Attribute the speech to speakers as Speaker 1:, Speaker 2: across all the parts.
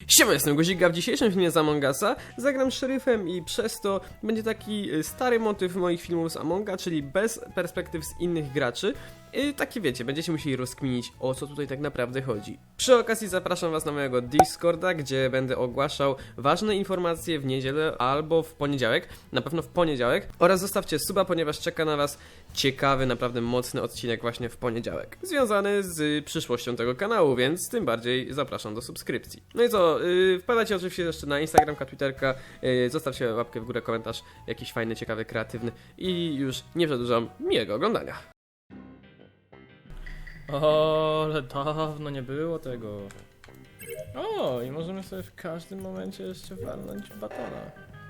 Speaker 1: Siema, jestem Guzik, a w dzisiejszym filmie z Among Usa zagram szeryfem i przez to będzie taki stary motyw moich filmów z Amonga, czyli bez perspektyw z innych graczy. I takie wiecie, będziecie musieli rozkminić, o co tutaj tak naprawdę chodzi. Przy okazji zapraszam was na mojego Discorda, gdzie będę ogłaszał ważne informacje w niedzielę albo w poniedziałek, na pewno w poniedziałek. Oraz zostawcie suba, ponieważ czeka na was ciekawy, naprawdę mocny odcinek właśnie w poniedziałek, związany z przyszłością tego kanału, więc tym bardziej zapraszam do subskrypcji. No i co, wpadajcie oczywiście jeszcze na Instagramka, Twitterka, zostawcie łapkę w górę, komentarz jakiś fajny, ciekawy, kreatywny i już nie przedłużam, miłego oglądania.
Speaker 2: O, ale dawno nie było tego. O, i możemy sobie w każdym momencie jeszcze walnąć batona.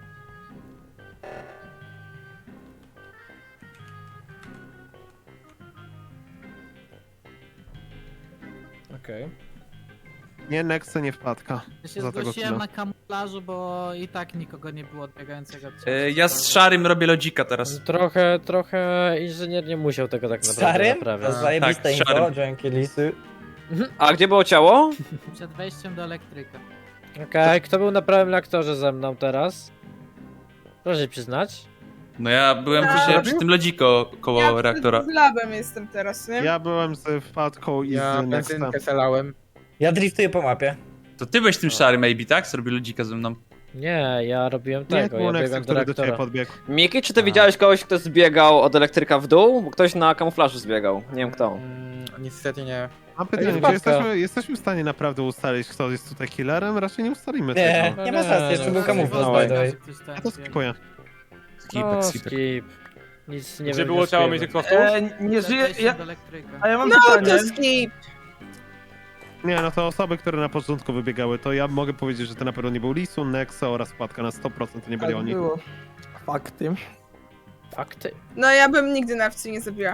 Speaker 2: Okej.
Speaker 3: Nie, Nexo nie wpadka.
Speaker 4: Ja się
Speaker 3: Za tego
Speaker 4: zgłosiłem
Speaker 3: killa.
Speaker 4: na kamuflażu, bo i tak nikogo nie było odbiegającego.
Speaker 5: Ja z szarym robię lodzika teraz.
Speaker 6: Trochę inżynier nie musiał tego tak naprawdę
Speaker 7: Starym?
Speaker 6: naprawiać.
Speaker 7: To zajebiste
Speaker 5: Tak,
Speaker 7: info,
Speaker 5: szarym.
Speaker 7: dzięki lisy.
Speaker 8: A gdzie było ciało?
Speaker 4: Przed wejściem do elektryka.
Speaker 6: Okej, kto był na prawym reaktorze ze mną teraz? Proszę się przyznać.
Speaker 5: No ja byłem przy tym lodziko koło
Speaker 9: Ja
Speaker 5: reaktora.
Speaker 9: z labem jestem teraz, nie?
Speaker 3: Ja byłem z wpadką i
Speaker 8: Ja
Speaker 3: z Nextem.
Speaker 8: benzynkę zalałem.
Speaker 7: Ja driftuję po mapie.
Speaker 5: To ty byłeś tym szarym maybe, tak? Co robi lodzika ze mną.
Speaker 6: Nie, ja robiłem
Speaker 3: Nie,
Speaker 6: tego,
Speaker 3: to był
Speaker 6: ja
Speaker 3: Nexo,
Speaker 6: biegłem do
Speaker 3: który do ciebie
Speaker 6: reaktora.
Speaker 3: podbiegł.
Speaker 8: Miki, czy ty widziałeś kogoś, kto zbiegał od elektryka w dół? Bo ktoś na kamuflażu zbiegał. Nie wiem kto.
Speaker 10: Niestety nie.
Speaker 3: Mam pytanie, czy
Speaker 6: wpadka.
Speaker 3: jesteśmy w stanie naprawdę ustalić, kto jest tutaj killerem? Raczej nie ustalimy
Speaker 7: Nie,
Speaker 3: tego.
Speaker 7: nie ma szans, jeszcze był kamuflaż,
Speaker 4: No,
Speaker 7: by the way.
Speaker 3: Ja to skipuję.
Speaker 5: Skipek, skipek.
Speaker 6: Skip. Nic nie
Speaker 10: Gdzie było ciało między
Speaker 6: wnioskujemy.
Speaker 10: kostów?
Speaker 2: Nie
Speaker 4: Przed
Speaker 2: żyje.
Speaker 4: wejściem do elektryka.
Speaker 2: A ja mam
Speaker 9: No
Speaker 2: pytanie.
Speaker 9: to skip!
Speaker 3: Nie, no to osoby, które na początku wybiegały, to ja mogę powiedzieć, że to na pewno nie był Lisu, Nexo oraz wpadka na 100% to nie byli oni.
Speaker 2: Było. Fakty.
Speaker 6: Fakty.
Speaker 9: No ja bym nigdy nawcy nie zabiła.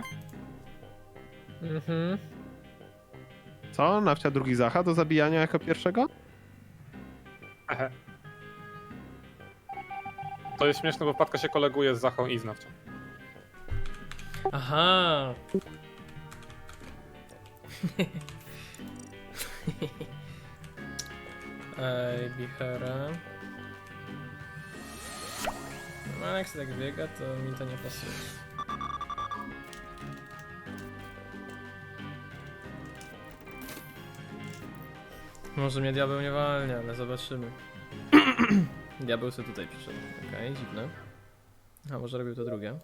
Speaker 6: Mhm.
Speaker 3: Co? Nawcia drugi Zacha do zabijania jako pierwszego?
Speaker 10: To jest śmieszne, bo wpadka się koleguje z Zachą i Znawcią.
Speaker 2: Aha. Ej, Bichera. No, jak się tak biega, to mi to nie pasuje. Może mnie diabeł nie walnie, ale zobaczymy. Diabeł sobie tutaj przyszedł. Okej, dziwne. A może robił to drugie?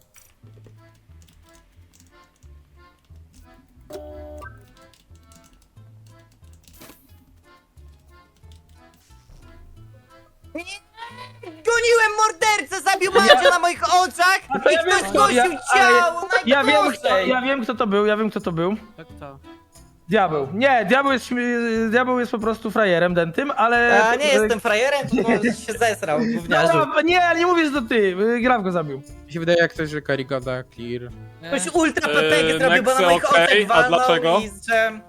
Speaker 7: Goniłem mordercę, zabił Mandzia na moich oczach i ktoś zgłosił ciało,
Speaker 2: Ja wiem,
Speaker 7: najgorzej!
Speaker 2: ja wiem kto to był, ja wiem kto to był.
Speaker 4: To kto?
Speaker 2: Diabeł. Nie, diabeł jest po prostu frajerem dentym, ale...
Speaker 7: A nie jestem frajerem, tylko się zesrał, gówniarzu.
Speaker 2: No, nie, ale nie mówię, że to ty. Graf go zabił.
Speaker 10: Mi się wydaje jak coś, że Karigoda clear.
Speaker 7: Ktoś ultra PPG zrobił, bo na
Speaker 10: Nexy,
Speaker 7: moich oczach
Speaker 10: okej, a
Speaker 7: walnął
Speaker 10: dlaczego?
Speaker 7: i że...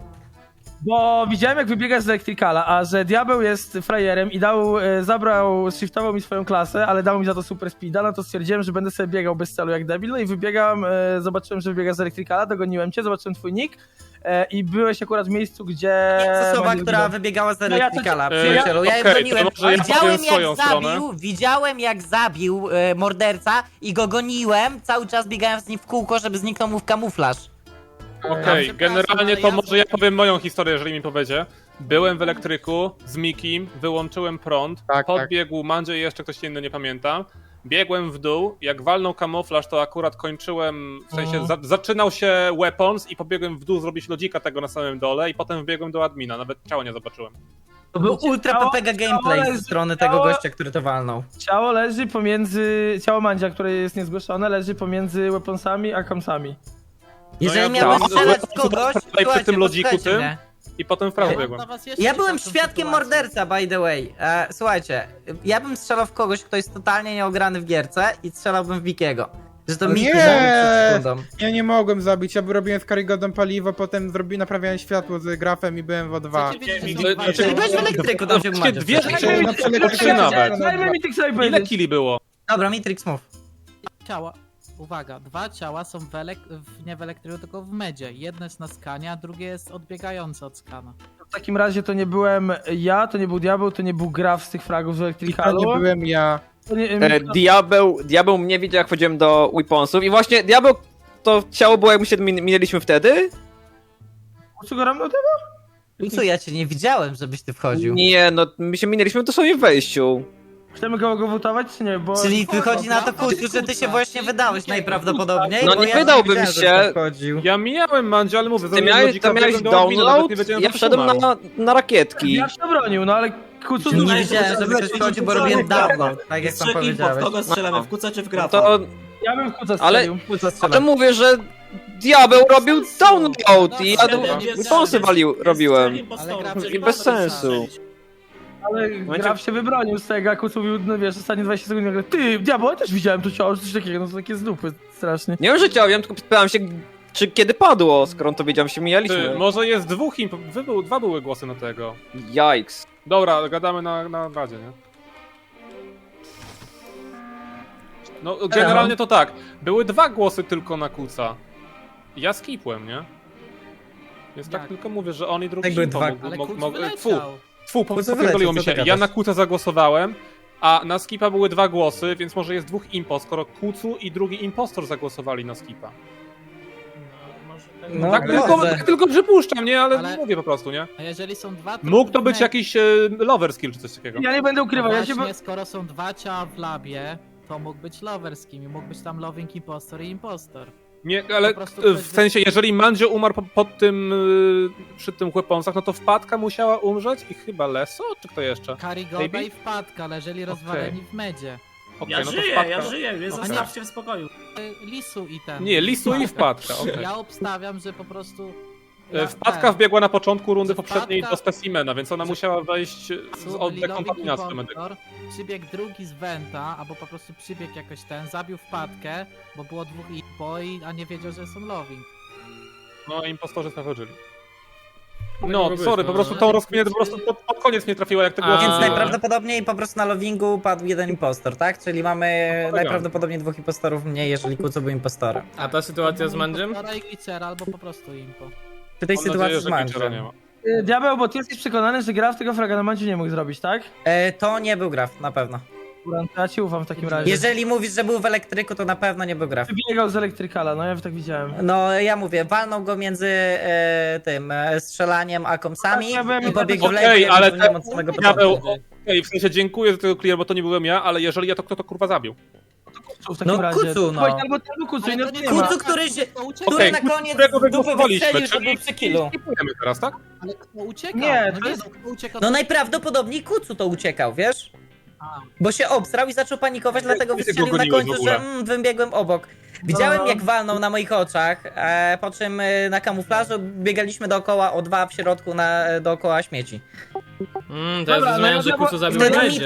Speaker 2: Bo widziałem jak wybiegasz z Electricala, a że diabeł jest frajerem i shiftował mi swoją klasę, ale dał mi za to super speeda, no to stwierdziłem, że będę sobie biegał bez celu jak debil, no i wybiegam, zobaczyłem, że wybiegasz z Electricala, dogoniłem cię, zobaczyłem twój nick i byłeś akurat w miejscu, gdzie...
Speaker 7: Jest osoba,
Speaker 2: Mandzio
Speaker 7: która
Speaker 2: zginął.
Speaker 7: wybiegała z
Speaker 2: No ja to-
Speaker 7: Electricala,
Speaker 10: ja-
Speaker 7: przyjacielu, ja je
Speaker 10: okej,
Speaker 7: broniłem.
Speaker 10: to może ja powiem swoją stronę.
Speaker 7: Widziałem jak zabił morderca i go goniłem, cały czas biegałem z nim w kółko, żeby zniknął mu w kamuflaż.
Speaker 10: Okej,
Speaker 4: przepraszam,
Speaker 10: generalnie
Speaker 4: ale
Speaker 10: to
Speaker 4: ja-
Speaker 10: może ja powiem moją historię, jeżeli mi powiedzie. Byłem w elektryku z Mikim, wyłączyłem prąd, podbiegł Mandzio i jeszcze ktoś inny, nie pamiętam. Biegłem w dół, jak walnął kamuflaż, to akurat kończyłem, w sensie zaczynał się weapons i pobiegłem w dół zrobić lodzika tego na samym dole i potem wbiegłem do admina, nawet ciała nie zobaczyłem.
Speaker 7: To był ultra PPG gameplay
Speaker 2: leży-
Speaker 7: ze strony tego
Speaker 2: ciało-
Speaker 7: gościa, który to walnął.
Speaker 2: Ciało leży pomiędzy... Ciało Mandzia, które jest niezgłoszone, leży pomiędzy weaponsami a kamsami.
Speaker 7: Jeżeli
Speaker 10: ja
Speaker 7: miałem
Speaker 10: tak.
Speaker 7: strzelać w
Speaker 10: No,
Speaker 7: kogoś,
Speaker 10: przy
Speaker 7: słuchajcie,
Speaker 10: tym lodziku
Speaker 7: posłuchajcie
Speaker 10: tym?
Speaker 7: mnie.
Speaker 10: I potem w prawo
Speaker 4: Ja mam
Speaker 10: biegłem.
Speaker 4: dla was jeszcze
Speaker 7: Ja byłem
Speaker 4: ciekawszą
Speaker 7: świadkiem
Speaker 4: sytuację.
Speaker 7: morderca, by the way. Słuchajcie, ja bym strzelał w kogoś, kto jest totalnie nieograny w gierce i strzelałbym w Wikiego. Że to Miki
Speaker 8: Nie!
Speaker 7: zabił przed sekundą.
Speaker 10: Ja nie mogłem zabić, ja robiłem z Karigodą paliwo, potem naprawiałem światło z grafem i byłem w O2.
Speaker 4: Chcecie wiedzieć, że
Speaker 10: Nie,
Speaker 4: są
Speaker 10: nie,
Speaker 4: dwa
Speaker 7: Czyli byłeś w
Speaker 4: ciała?
Speaker 7: elektryku, to się
Speaker 10: Wszystkie dwie
Speaker 7: umawiać.
Speaker 10: rzeczy,
Speaker 2: Dajmy mi
Speaker 10: no,
Speaker 2: Tix
Speaker 10: trzy nawet.
Speaker 2: Dajmy mi Tix sobie
Speaker 10: Ile
Speaker 2: powiedzieć.
Speaker 10: kili było?
Speaker 7: Dobra, Matrix move.
Speaker 4: Ciała. Uwaga, dwa ciała są nie w elektryku, tylko w medzie. Jedno jest na skanie, a drugie jest odbiegające od skana.
Speaker 2: w takim razie to nie byłem ja, to nie był Diabeł, to nie był Graf z tych fragów z Electricalu.
Speaker 6: nie byłem ja.
Speaker 2: To nie,
Speaker 8: Diabeł mnie widział, jak wchodziłem do Weaponsów i właśnie Diabeł to ciało było, jak my się minęliśmy wtedy?
Speaker 2: Co go ramno
Speaker 7: Co, ja cię nie widziałem, żebyś ty wchodził.
Speaker 8: Nie, no my się minęliśmy dosłownie w wejściu.
Speaker 2: Chcemy go wotować, czy nie? Bo...
Speaker 7: Czyli wychodzi na to, Kucu, że ty się właśnie wydałeś najprawdopodobniej.
Speaker 8: No
Speaker 7: bo
Speaker 8: nie
Speaker 7: ja
Speaker 8: wydałbym
Speaker 7: widziałem,
Speaker 8: się.
Speaker 7: że wchodził.
Speaker 10: Ja mijałem Mandzio, ale mówię,
Speaker 8: Ty miałeś download, ja wszedłem na rakietki.
Speaker 2: Ja się obronił, no ale Kucu...
Speaker 7: Nie widziałem, żeby ktoś wchodził, bo robiłem download, tak jak sam powiedziałeś.
Speaker 11: Kogo strzelamy, w Kuca czy w Grafa?
Speaker 8: To,
Speaker 2: Ja bym w Kuca
Speaker 8: ale
Speaker 2: strzelił.
Speaker 8: a to mówię, że Diabeł robił download i ja Weaponsy robiłem. I bez sensu.
Speaker 2: Ale Graf się wybronił z tego, a Kucu mówił, no wiesz, ostatnie 20 sekund nagle, ty, Diabeł, ja też widziałem to ciało, coś takiego, no to takie z dupy, strasznie.
Speaker 8: Nie wiem, że chciałem, tylko pytałem się, czy kiedy padło, skoro on to wiedział, się mijaliśmy.
Speaker 10: Może jest dwa były głosy na tego.
Speaker 8: Yikes.
Speaker 10: Dobra, gadamy na radzie, nie? No, generalnie to tak. Były 2 głosy tylko na Kuca. Ja skipłem, nie? Więc tak
Speaker 4: Jak?
Speaker 10: tylko mówię, że on i drugi
Speaker 7: Tak były
Speaker 10: impo
Speaker 7: dwa-
Speaker 10: mógł-
Speaker 4: Ale
Speaker 10: mógł-
Speaker 4: Kuc
Speaker 10: mógł-
Speaker 4: wyleciał.
Speaker 10: popierdoliło mi
Speaker 7: co ty
Speaker 10: się.
Speaker 7: gadasz?
Speaker 10: Ja na Kuca zagłosowałem, a na skipa były 2 głosy, więc może jest 2 impo, skoro Kucu i drugi impostor zagłosowali na skipa.
Speaker 7: No,
Speaker 10: Tak
Speaker 7: może.
Speaker 10: tylko przypuszczam, nie? Ale,
Speaker 4: Ale-
Speaker 10: mówię po prostu, nie?
Speaker 4: A jeżeli są 2...
Speaker 10: Mógł to być jakiś lover skill czy coś takiego.
Speaker 2: Ja nie będę ukrywał, ja się...
Speaker 4: Właśnie, skoro są 2 ciała w labie, to mógł być loverskim i mógł być tam loving impostor i impostor.
Speaker 10: Nie, ale
Speaker 4: Po prostu
Speaker 10: w sensie, jeżeli Mandzio umarł pod tym, przy tym Weaponsach, no to wpadka musiała umrzeć i chyba Leso, czy kto jeszcze?
Speaker 4: Karigoda
Speaker 10: Maybe?
Speaker 4: i wpadka leżeli rozwaleni w medzie.
Speaker 10: Okej,
Speaker 11: Ja
Speaker 10: no to
Speaker 11: żyję,
Speaker 10: wpadka.
Speaker 11: ja żyję, więc
Speaker 4: Okej.
Speaker 11: zostawcie w spokoju.
Speaker 4: Lisu i ten.
Speaker 10: Nie, Lisu i wpadka, okej.
Speaker 4: Ja obstawiam, że po prostu...
Speaker 10: Wpadka wbiegła na początku rundy poprzedniej
Speaker 4: Wpadka-
Speaker 10: do specimena, więc ona musiała wejść od dekontaminacji do medyka.
Speaker 4: Przybiegł drugi z Venta, albo po prostu przybiegł jakoś ten, zabił wpadkę, bo było 2 impo, a nie wiedział, że są loving.
Speaker 10: No, impostorzy sprawdzili.
Speaker 1: mogło
Speaker 10: No,
Speaker 1: być,
Speaker 10: sorry,
Speaker 1: no.
Speaker 10: po prostu tą rozkminę po prostu pod koniec nie trafiła, jak te głosy
Speaker 7: Więc
Speaker 1: A.
Speaker 10: były.
Speaker 7: najprawdopodobniej po prostu na lovingu padł jeden impostor, tak? Czyli mamy
Speaker 10: tak.
Speaker 7: najprawdopodobniej 2 impostorów mniej, jeżeli Kucu był impostorem.
Speaker 1: A ta sytuacja z Mandziem?
Speaker 4: Impostora i glitchera, albo po prostu impo.
Speaker 7: Przy tej
Speaker 10: Mam
Speaker 7: sytuacji
Speaker 10: nadzieję,
Speaker 7: z
Speaker 10: że Glitchera nie
Speaker 7: Mandziem.
Speaker 10: ma.
Speaker 2: Diabeł, bo ty jesteś przekonany, że Graf tego fraga na Mandziu nie mógł zrobić, tak?
Speaker 7: To nie był Graf, na pewno.
Speaker 2: Dobra, to ja ci ufam w takim razie.
Speaker 7: Jeżeli mówisz, że był w elektryku, to na pewno nie był Graf.
Speaker 2: Wybiegał z Electricala, no ja tak widziałem.
Speaker 7: No ja mówię, walnął go między tym strzelaniem a komsami
Speaker 2: Ja byłem-
Speaker 7: i pobiegł w
Speaker 10: Okej,
Speaker 7: lewo, ja
Speaker 10: ale
Speaker 7: wypełniłem od samego
Speaker 10: Diabeł,
Speaker 7: początku.
Speaker 10: okej, w sensie dziękuję za tego clear, bo to nie byłem ja, ale jeżeli ja, to kto to kurwa zabił?
Speaker 2: W takim
Speaker 7: No,
Speaker 2: razie.
Speaker 7: Kucu, no.
Speaker 2: Chodź, albo Kucu,
Speaker 4: Ale
Speaker 2: nie,
Speaker 4: to nie
Speaker 2: nie ma.
Speaker 7: Kucu, który
Speaker 4: uciekł.
Speaker 10: Okej,
Speaker 7: na koniec
Speaker 10: którego
Speaker 7: dupę
Speaker 10: wygłosowaliśmy,
Speaker 7: wystrzelił, to
Speaker 10: czyli
Speaker 7: był przy killu.
Speaker 10: skipujemy teraz, tak?
Speaker 4: Ale kto uciekał?
Speaker 2: Nie,
Speaker 4: no
Speaker 2: to
Speaker 4: nie,
Speaker 2: jest-
Speaker 4: no, kto uciekał?
Speaker 7: No najprawdopodobniej Kucu to uciekał, wiesz?
Speaker 4: A.
Speaker 7: Bo się obstrał i zaczął panikować, dlatego
Speaker 10: Kiedy
Speaker 7: wystrzelił
Speaker 10: go
Speaker 7: na
Speaker 10: goniłeś w
Speaker 7: końcu,
Speaker 10: ogóle?
Speaker 7: że wybiegłem obok. Widziałem
Speaker 2: No.
Speaker 7: jak walnął na moich oczach, po czym na kamuflażu biegaliśmy dookoła O2 w środku dookoła śmieci.
Speaker 1: Teraz
Speaker 2: Dobra,
Speaker 1: rozumiem,
Speaker 2: no
Speaker 1: że
Speaker 2: ja-
Speaker 1: Kucu zabił
Speaker 7: Wtedy
Speaker 1: Mandzie.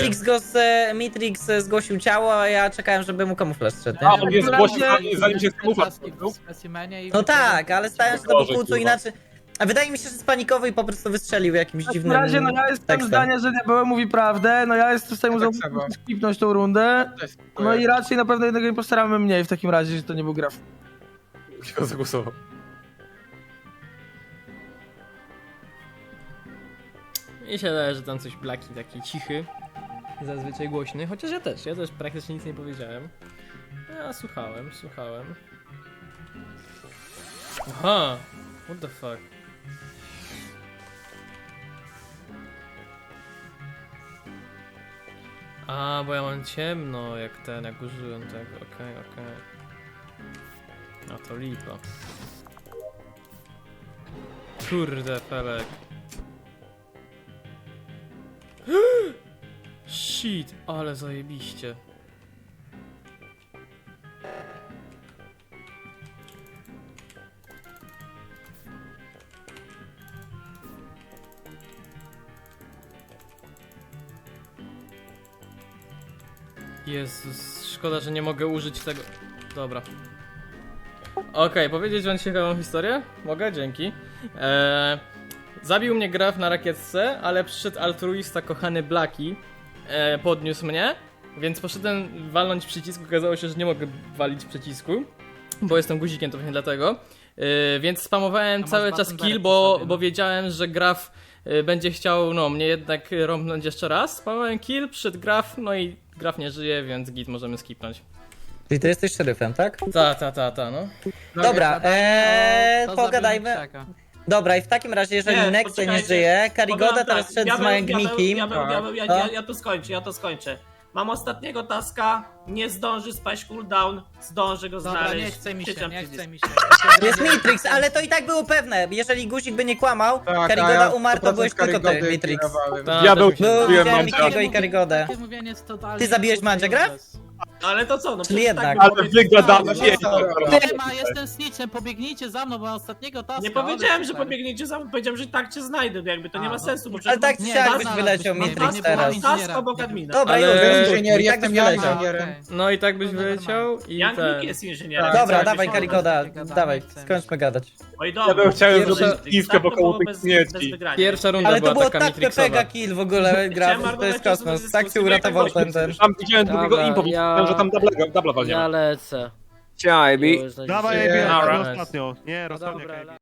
Speaker 7: Mitrix zgłosił ciało, a ja czekałem, żeby mu kamuflaż zszedł.
Speaker 10: A,
Speaker 7: nie?
Speaker 10: on jest
Speaker 2: razie-
Speaker 10: głośny, zanim się kamuflaż
Speaker 4: w specimenie i...
Speaker 7: No tak, ale stałem się to
Speaker 10: Gorzej,
Speaker 7: był Kucu
Speaker 10: kurwa.
Speaker 7: inaczej. A wydaje mi się, że spanikował i po prostu wystrzelił jakimś
Speaker 2: W takim
Speaker 7: dziwnym
Speaker 2: razie, no ja jestem
Speaker 7: tekstem.
Speaker 2: zdania, że Diabeł mówi prawdę, no ja jestem w stanie mu skipnąć tą rundę. No i raczej na pewno jednego impostora mamy mniej w takim razie, że to nie był Graf.
Speaker 10: Kto zagłosował?
Speaker 1: Mi się wydaje, że tam coś Blaki taki cichy, zazwyczaj głośny, chociaż ja też praktycznie nic nie powiedziałem. Ja słuchałem. Aha, what the fuck. A, bo ja mam ciemno, jak użyłem tego, okej. A to lipa. Kurde, Felek. Shit, ale zajebiście. Jezus, szkoda, że nie mogę użyć tego. Dobra. Okej, powiedzieć wam ciekawą historię? Mogę? Dzięki. Zabił mnie Graf na rakietce, ale przyszedł altruista kochany Blaki, podniósł mnie, więc poszedłem walnąć przycisk, okazało się, że nie mogę walić przycisku, bo jestem guzikiem, to właśnie dlatego. Więc spamowałem
Speaker 4: masz
Speaker 1: cały czas
Speaker 4: button
Speaker 1: kill,
Speaker 4: direct
Speaker 1: bo
Speaker 4: sobie, no.
Speaker 1: wiedziałem, że Graf
Speaker 11: będzie chciał, no, mnie jednak rąbnąć jeszcze raz. Spamowałem kill, przyszedł Graf, no i Graf nie żyje, więc git możemy skipnąć.
Speaker 7: Czyli ty jesteś szeryfem, tak?
Speaker 11: Ta, no.
Speaker 7: Dobra,
Speaker 4: To
Speaker 7: pogadajmy.
Speaker 4: zabił Czeka.
Speaker 7: Dobra, i w takim razie, jeżeli
Speaker 12: Nie,
Speaker 7: Nexe nie
Speaker 12: poczekajcie.
Speaker 7: żyje, Karigoda
Speaker 12: Powiem
Speaker 7: teraz
Speaker 12: tak,
Speaker 7: szedł z Małęgnikiem.
Speaker 12: Ja to skończę. Mam ostatniego taska, nie zdąży spaść cooldown, zdąży go
Speaker 4: Dobra,
Speaker 12: znaleźć.
Speaker 4: nie chce mi się,
Speaker 12: Przyciąg
Speaker 4: nie
Speaker 12: przycisk.
Speaker 4: chce mi się.
Speaker 7: Jest Mitrix, ale to i tak było pewne. Jeżeli guzik by nie kłamał, Karigoda umarł, to byłeś tylko ty, Mitrix.
Speaker 10: Diabeł,
Speaker 7: Był,
Speaker 10: mówiłem
Speaker 7: widziałem
Speaker 10: Mandzia.
Speaker 7: Mikiego i Karigodę.
Speaker 4: Takie mówienie jest totalnie
Speaker 7: Ty zabiłeś Mandzia, Graf?
Speaker 12: Ale to co, no
Speaker 7: Czyli
Speaker 12: przecież
Speaker 7: jednak.
Speaker 12: tak
Speaker 10: Ale
Speaker 12: było
Speaker 10: wygadane
Speaker 12: powiedziane.
Speaker 4: Nie ma, jestem snitchem, pobiegnijcie za mną, bo mam ostatniego taska.
Speaker 12: Nie powiedziałem,
Speaker 4: ale
Speaker 12: że
Speaker 4: super.
Speaker 12: pobiegniecie za mną, powiedziałem, że tak cię znajdę, jakby to nie ma sensu, bo
Speaker 7: Ale
Speaker 12: przecież
Speaker 7: tak
Speaker 12: mam
Speaker 7: czy
Speaker 4: Nie,
Speaker 7: siak
Speaker 4: no,
Speaker 7: byś
Speaker 4: no,
Speaker 7: wyleciał
Speaker 4: byś nie
Speaker 7: Mitrix
Speaker 4: była
Speaker 7: teraz.
Speaker 12: task obok admina.
Speaker 7: Dobra,
Speaker 11: Ale-
Speaker 7: już,
Speaker 11: Inżynier,
Speaker 7: i tak byś wyleciał.
Speaker 4: Okej.
Speaker 11: No i tak byś
Speaker 4: No,
Speaker 11: wyleciał i
Speaker 12: Young
Speaker 11: ten...
Speaker 12: Nick jest inżynierem.
Speaker 7: Dobra,
Speaker 12: więc
Speaker 7: dawaj
Speaker 12: jakbyś-
Speaker 7: Karigoda,
Speaker 4: Gadamy,
Speaker 7: dawaj,
Speaker 4: chcemy.
Speaker 7: skończmy gadać.
Speaker 12: Oj, dobra.
Speaker 10: Ja bym chciałem
Speaker 11: Pierwsza-
Speaker 10: zrobić kiwkę wokoło tych śmieci.
Speaker 11: Pierwsza runda
Speaker 7: Ale to
Speaker 11: była
Speaker 7: było
Speaker 11: taka
Speaker 7: tak
Speaker 11: Matrixowa.
Speaker 7: PPG kill w ogóle, Graf, to jest kosmos. Tak cię uratował ten.
Speaker 10: Tam widziałem drugiego
Speaker 6: Dobra,
Speaker 10: impo,
Speaker 6: ja-
Speaker 10: że tam dubla walniemy.
Speaker 6: Ja lecę.
Speaker 8: Cześć, Ivy.
Speaker 3: Dawaj,
Speaker 6: Już
Speaker 3: Ejbi,
Speaker 11: Alright.
Speaker 3: ostatnio. Nie, rozsądnie,
Speaker 6: Dobra,
Speaker 3: Ejbi.